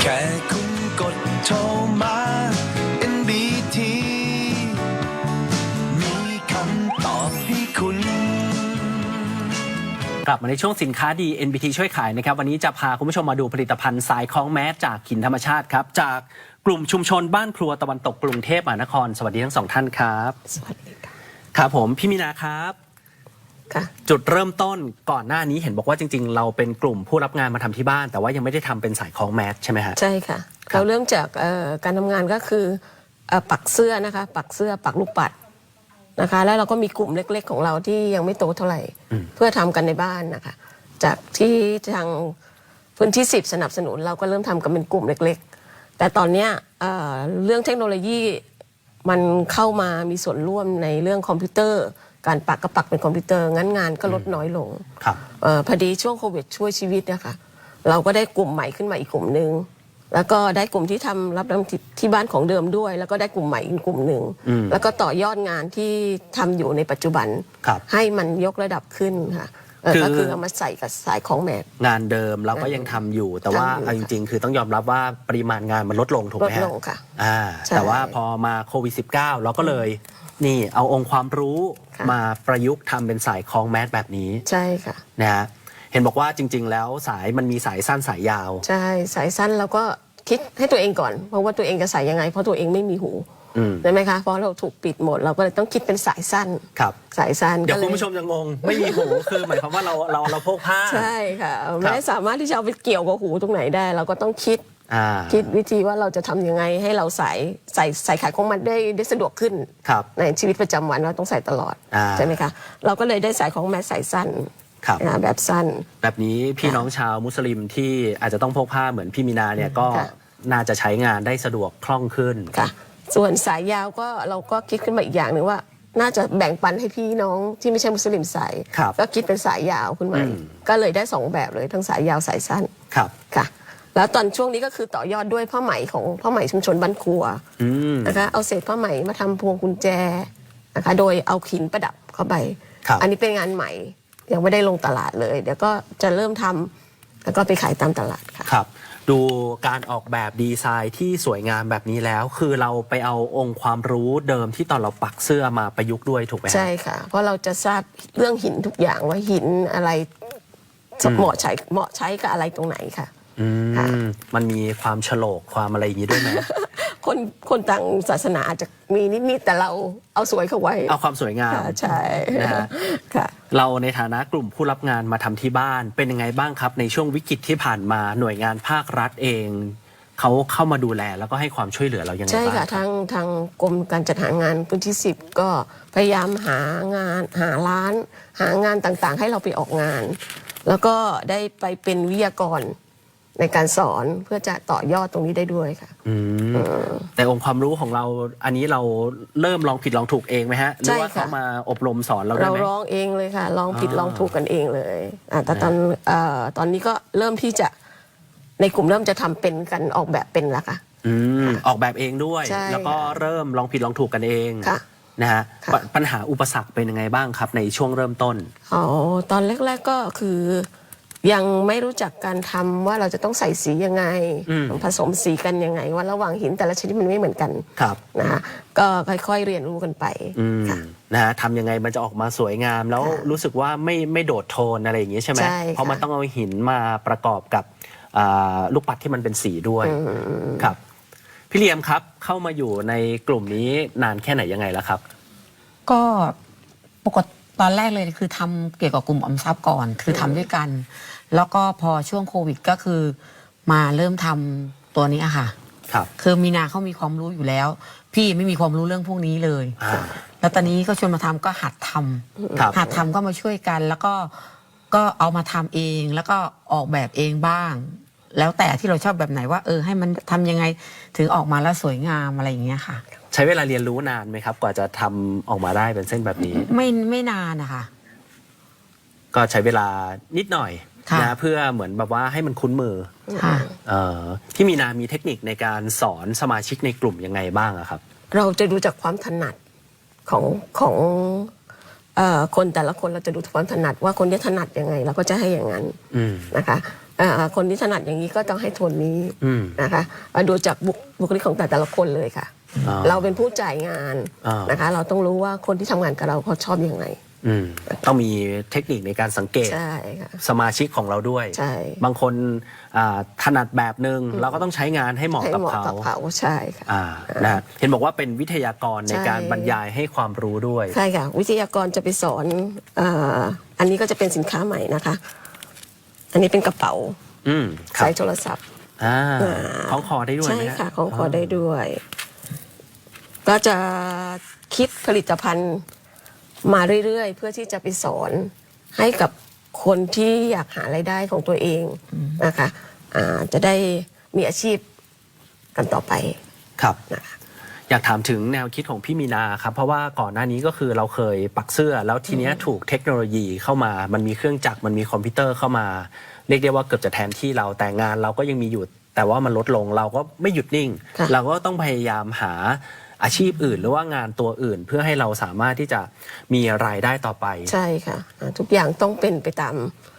แค่คุณกดโทรมา NBT มีคำตอบให้คุณกลับมาในช่วงสินค้าดี NBT ช่วยขายนะครับวันนี้จะพาคุณผู้ชมมาดูผลิตภัณฑ์สายคล้องแมสจากหินธรรมชาติครับจากกลุ่มชุมชนบ้านครัวตะวันตกกรุงเทพมหานครสวัสดีทั้งสองท่านครับสวัสดีค่ะครับผมพี่มีนาครับค่ะจุดเริ่มต้นก่อนหน้านี้เห็นบอกว่าจริงๆเราเป็นกลุ่มผู้รับงานมาทำที่บ้านแต่ว่ายังไม่ได้ทำเป็นสายคล้องแมสใช่ไหมฮะใช่ค่ะเราเริ่มจากการทำงานก็คือปักเสื้อนะคะปักเสื้อปักลูกปัดนะคะแล้วเราก็มีกลุ่มเล็กๆของเราที่ยังไม่โตเท่าไหร่เพื่อทำกันในบ้านนะคะจากที่ทางพื้นที่10สนับสนุนเราก็เริ่มทำกันเป็นกลุ่มเล็กๆแต่ตอนนี้เรื่องเทคโนโลยีมันเข้ามามีส่วนร่วมในเรื่องคอมพิวเตอร์การปักก็ปักเป็นคอมพิวเตอร์งั้นงานก็ลดน้อยลงพอดีช่วงโควิดช่วยชีวิตนะคะเราก็ได้กลุ่มใหม่ขึ้นมาอีกกลุ่มหนึ่งแล้วก็ได้กลุ่มที่ทำรับที่บ้านของเดิมด้วยแล้วก็ได้กลุ่มใหม่อีกกลุ่มหนึ่งแล้วก็ต่อยอดงานที่ทำอยู่ในปัจจุบันให้มันยกระดับขึ้นค่ะก็คือเอามาใส่กับสายของแมสงานเดิมเราก็ยังทำอยู่แต่ว่าเอาจริงๆคือต้องยอมรับว่าปริมาณงานมันลดลงถูกไหมฮะลดลงค่ะแต่ว่าพอมาโควิด -19 เราก็เลยนี่เอาองค์ความรู้มาประยุกต์ทำเป็นสายคล้องแมสแบบนี้ใช่ค่ะนะฮะเห็นบอกว่าจริงๆแล้วสายมันมีสายสั้นสายยาวใช่สายสั้นเราก็คิดให้ตัวเองก่อนเพราะว่าตัวเองจะใส่ยังไงเพราะตัวเองไม่มีหูใช่ไหมคะเพราะเราถูกปิดหมดเราก็เลยต้องคิดเป็นสายสั้นครับสายสั้นเดี๋ยวคุณผู้ชมจะงงไม่มีหูคือหมายความว่าเราพกผ้าใช่ค่ะไม่ได้สามารถที่จะเอาไปเกี่ยวกับหูตรงไหนได้เราก็ต้องคิดวิธีว่าเราจะทำยังไงให้เราใส่ขายของมันได้สะดวกขึ้นในชีวิตประจำวันเราต้องใส่ตลอดใช่ไหมคะเราก็เลยได้สายของแมสสายสั้นแบบสั้นแบบนี้พี่น้องชาวมุสลิมที่อาจจะต้องพกผ้าเหมือนพี่มีนาเนี่ยก็น่าจะใช้งานได้สะดวกคล่องขึ้นค่ะส่วนสายยาวก็เราก็คิดขึ้นมาอีกอย่างหนึ่งว่าน่าจะแบ่งปันให้พี่น้องที่ไม่ใช่มุสลิมใส่ก็คิดเป็นสายยาวขึ้นมาก็เลยได้2แบบเลยทั้งสายยาวสายสั้นค่ะแล้วตอนช่วงนี้ก็คือต่อยอดด้วยผ้าไหมของผ้าไหมชุมชนบ้านครัวนะคะเอาเศษผ้าไหมมาทำพวงกุญแจนะคะโดยเอาหินประดับเข้าไปอันนี้เป็นงานใหม่ยังไม่ได้ลงตลาดเลยเดี๋ยวก็จะเริ่มทำแล้วก็ไปขายตามตลาดค่ะครับดูการออกแบบดีไซน์ที่สวยงามแบบนี้แล้วคือเราไปเอาองค์ความรู้เดิมที่ตอนเราปักเสื้อมาประยุกต์ด้วยถูกไหมใช่ค่ะเพราะเราจะทราบเรื่องหินทุกอย่างว่าหินอะไรเหมาะใช้กับอะไรตรงไหนค่ะมันมีความโฉลกความอะไรอย่างนี้ด้วยไหมคนต่างศาสนาอาจจะมีนิดๆแต่เราเอาสวยเข้าไว้เอาความสวยงามใช่นะฮะเราในฐานะกลุ่มผู้รับงานมาทำที่บ้านเป็นยังไงบ้างครับในช่วงวิกฤตที่ผ่านมาหน่วยงานภาครัฐเองเขาเข้ามาดูแลแล้วก็ให้ความช่วยเหลือเรายังไงบ้างใช่ค่ะทางกรมการจัดหางานพื้นที่10ก็พยายามหางานหาร้านหางานต่างๆให้เราไปออกงานแล้วก็ได้ไปเป็นวิทยากรในการสอนเพื่อจะต่อยอดตรงนี้ได้ด้วยค่ะแต่องค์ความรู้ของเราอันนี้เราเริ่มลองผิดลองถูกเองไหมฮะหรือว่าเขามาอบรมสอนเราได้ไหมเราลองเองเลยค่ะลองผิดลองถูกกันเองเลยแต่ตอนนี้ก็เริ่มที่จะในกลุ่มเริ่มจะทำเป็นกันออกแบบเป็นแล้วค่ะออกแบบเองด้วยแล้วก็เริ่มลองผิดลองถูกกันเองนะฮะปัญหาอุปสรรคเป็นยังไงบ้างครับในช่วงเริ่มต้นตอนแรกๆก็คือยังไม่รู้จักการทำว่าเราจะต้องใส่สียังไงผสมสีกันยังไงว่าระหว่างหินแต่ละชนิดมันไม่เหมือนกันนะฮะก็ค่อยๆเรียนรู้กันไปนะฮะทำยังไงมันจะออกมาสวยงามแล้วรู้สึกว่าไม่โดดโทนอะไรอย่างนี้ใช่ไหมเพราะมันต้องเอาหินมาประกอบกับลูกปัดที่มันเป็นสีด้วยครับพี่เลียมครับเข้ามาอยู่ในกลุ่มนี้นานแค่ไหนยังไงแล้วครับก็ปกติตอนแรกเลยคือทำเกี่ยวกับกลุ่มออมทรัพย์ก่อนคือทำด้วยกันแล้วก็พอช่วงโควิดก็คือมาเริ่มทำตัวนี้อะค่ะคือมีนาเขามีความรู้อยู่แล้วพี่ไม่มีความรู้เรื่องพวกนี้เลยแล้วตอนนี้ก็ชวนมาทำก็หัดทำก็มาช่วยกันแล้วก็เอามาทำเองแล้วก็ออกแบบเองบ้างแล้วแต่ที่เราชอบแบบไหนว่าให้มันทำยังไงถึงออกมาแล้วสวยงามอะไรอย่างเงี้ยค่ะใช้เวลาเรียนรู้นานไหมครับกว่าจะทำออกมาได้เป็นเส้นแบบนี้ไม่นานนะคะก็ใช้เวลานิดหน่อยนะเพื่อเหมือนแบบว่าให้มันคุ้นมือพี่มีนามีเทคนิคในการสอนสมาชิกในกลุ่มยังไงบ้างครับเราจะดูจากความถนัดของคนแต่ละคนเราจะดูความถนัดว่าคนนี้ถนัดยังไงเราก็จะให้อย่างนั้นนะคะคนที่ถนัดอย่างนี้ก็ต้องให้โทนนี้อืมนะคะดูจากบุคลิกของแต่ละคนเลยค่ะ เราเป็นผู้จ่ายงานนะคะเราต้องรู้ว่าคนที่ทำงานกับเราเขาชอบยังไงต้องมีเทคนิคในการสังเกตใช่ค่ะสมาชิกของเราด้วยใช่บางคนถนัดแบบหนึ่งเราก็ต้องใช้งานให้เหมาะกับเขาใช่ค่ะนะฮะเห็นบอกว่าเป็นวิทยากรในการบรรยายให้ความรู้ด้วยใช่ค่ะวิทยากรจะไปสอนอันนี้ก็จะเป็นสินค้าใหม่นะคะ อันนี้เป็นกระเป๋าครับใส่โทรศัพท์คล้องคอได้ด้วยใช่ไหมฮะค่ะของคอได้ด้วย ก็จะคิดผลิตภัณฑ์มาเรื่อยๆ เพื่อที่จะไปสอนให้กับคนที่อยากหารายได้ของตัวเองนะคะจะได้มีอาชีพกันต่อไปครับนะคะอยากถามถึงแนวคิดของพี่มีนาครับเพราะว่าก่อนหน้านี้ก็คือเราเคยปักเสื้อแล้วทีเนี้ยถูกเทคโนโลยีเข้ามามันมีเครื่องจักรมันมีคอมพิวเตอร์เข้ามาเรียกได้ว่าเกือบจะแทนที่เราแต่งานเราก็ยังมีอยู่แต่ว่ามันลดลงเราก็ไม่หยุดนิ่ง เราก็ต้องพยายามหาอาชีพอื่นหรือว่างานตัวอื่น เพื่อให้เราสามารถที่จะมีรายได้ต่อไปใช่ค่ะทุกอย่างต้องเป็นไปตาม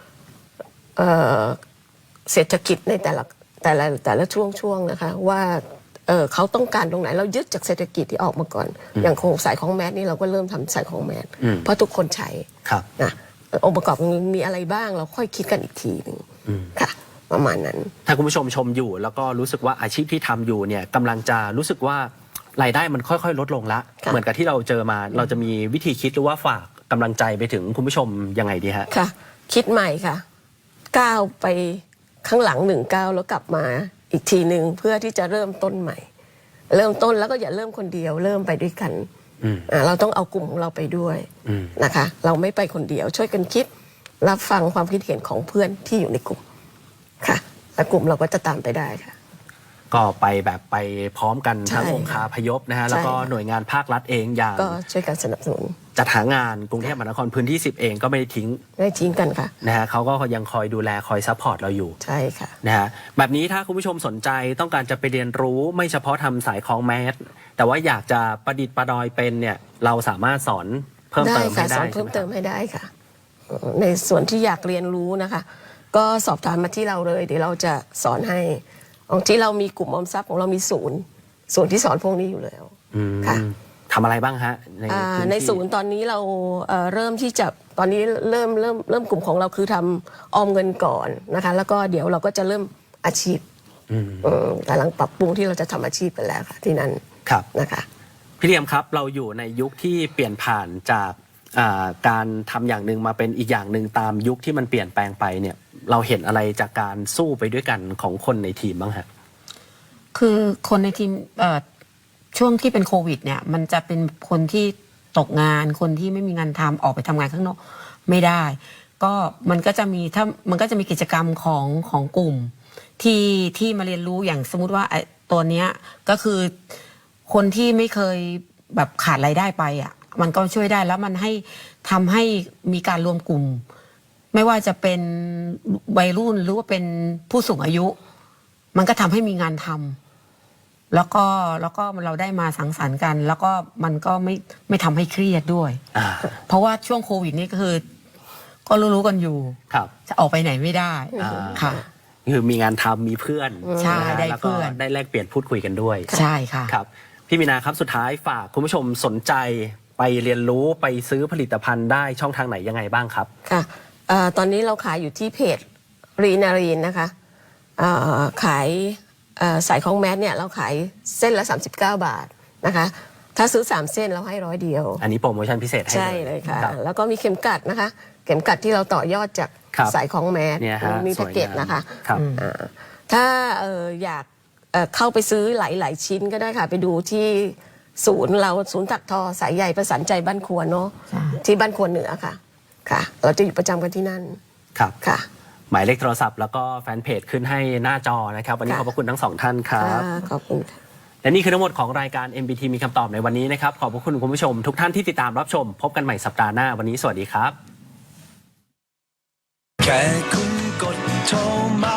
เศรษฐกิจในแต่ละช่วงนะคะว่าเขาต้องการตรงไหนเรายึดจากเศรษฐกิจที่ออกมาก่อน อย่างโครงสายของแมสนี่เราก็เริ่มทำสายของแมสเพราะทุกคนใช้นะองค์ประกอบมีอะไรบ้างเราค่อยคิดกันอีกทีหนึ่งค่ะประมาณนั้นถ้าคุณผู้ชมชมอยู่แล้วก็รู้สึกว่าอาชีพที่ทำอยู่เนี่ยกำลังจะรู้สึกว่ารายได้มันค่อยๆลดลงละเหมือนกับที่เราเจอมาเราจะมีวิธีคิดหรือว่าฝากกำลังใจไปถึงคุณผู้ชมยังไงดีฮะค่ะคิดใหม่ค่ะก้าวไปข้างหลัง1 ก้าวแล้วกลับมาอีกทีหนึ่งเพื่อที่จะเริ่มต้นใหม่เริ่มต้นแล้วก็อย่าเริ่มคนเดียวเริ่มไปด้วยกันเราต้องเอากลุ่มของเราไปด้วยนะคะเราไม่ไปคนเดียวช่วยกันคิดรับฟังความคิดเห็นของเพื่อนที่อยู่ในกลุ่มค่ะแล้วกลุ่มเราก็จะตามไปได้ค่ะก็ไปแบบไปพร้อมกันทั้งองค์คาพยพนะฮะแล้วก็หน่วยงานภาครัฐเองอย่างก็ช่วยกันสนับสนุนจัดหางานกรุงเทพมหานครพื้นที่10เองก็ไม่ได้ทิ้งกันค่ะนะฮะเขาก็ยังคอยดูแลคอยซัพพอร์ตเราอยู่ใช่ค่ะนะฮะแบบนี้ถ้าคุณผู้ชมสนใจต้องการจะไปเรียนรู้ไม่เฉพาะทำสายคล้องแมสแต่ว่าอยากจะประดิษฐ์ประดอยเป็นเนี่ยเราสามารถสอนเพิ่มเติมให้ได้สอนเพิ่มเติมให้ได้ค่ะในส่วนที่อยากเรียนรู้นะคะก็สอบถามมาที่เราเลยเดี๋ยวเราจะสอนให้ของที่เรามีกลุ่มออมทรัพย์ของเรามีศูนย์ที่สอนพวกนี้อยู่แล้วค่ะทำอะไรบ้างฮะในศูนย์ตอนนี้เราเริ่มที่จะตอนนี้เริ่มกลุ่มของเราคือทำออมเงินก่อนนะคะแล้วก็เดี๋ยวเราก็จะเริ่มอาชีพกำลังปรับปรุงที่เราจะทำอาชีพกันแล้วค่ะที่นั่นนะคะพี่เลียมครับเราอยู่ในยุคที่เปลี่ยนผ่านจากการทำอย่างหนึ่งมาเป็นอีกอย่างหนึ่งตามยุคที่มันเปลี่ยนแปลงไปเนี่ยเราเห็นอะไรจากการสู้ไปด้วยกันของคนในทีมบ้างฮะคือคนในทีมช่วงที่เป็นโควิดเนี่ยมันจะเป็นคนที่ตกงานคนที่ไม่มีงานทำออกไปทำงานข้างนอกไม่ได้ก็มันก็จะมีกิจกรรมของกลุ่มที่มาเรียนรู้อย่างสมมุติว่าตัวเนี้ยก็คือคนที่ไม่เคยแบบขาดรายได้ไปอ่ะมันก็ช่วยได้แล้วมันทำให้มีการรวมกลุ่มไม่ว่าจะเป็นวัยรุ่นหรือว่าเป็นผู้สูงอายุมันก็ทำให้มีงานทำแล้วก็เราได้มาสังสรรค์กันแล้วก็มันก็ไม่ทำให้เครียดด้วยเพราะว่าช่วงโควิดนี่ก็คือก็รู้กันอยู่จะออกไปไหนไม่ได้ค่ะคือมีงานทำมีเพื่อนใช่ได้เพื่อนได้แลกเปลี่ยนพูดคุยกันด้วยใช่ค่ะครับพี่มีนาครับสุดท้ายฝากคุณผู้ชมสนใจไปเรียนรู้ไปซื้อผลิตภัณฑ์ได้ช่องทางไหนยังไงบ้างครับค่ะตอนนี้เราขายอยู่ที่เพจรีนารีนนะคะขายสายของแมสเนี่ยเราขายเส้นละ39 บาทนะคะถ้าซื้อ3เส้นเราให้100เดียวอันนี้โปรโมชั่นพิเศษให้ใช่เลยค่ะแล้วก็มีเข็มกัดนะคะเข็มกัดที่เราต่อยอดจากสายของแมสมีแพ็กเกจนะคะถ้าอยากเข้าไปซื้อหลายชิ้นก็ได้ค่ะไปดูที่ศูนย์ถักทอสายใหญ่ประสานใจบ้านครัวเนาะที่บ้านครัวเหนือค่ะเราจะอยู่ประจำกันที่นั่นครับค่ะหมายเลขโทรศัพท์แล้วก็แฟนเพจขึ้นให้หน้าจอนะครับวันนี้ขอบพระคุณทั้งสองท่านครับขอบคุณและนี่คือทั้งหมดของรายการ MBT มีคำตอบในวันนี้นะครับขอบพระคุณคุณผู้ชมทุกท่านที่ติดตามรับชมพบกันใหม่สัปดาห์หน้าวันนี้สวัสดีครับแค่คุณกดโทรมา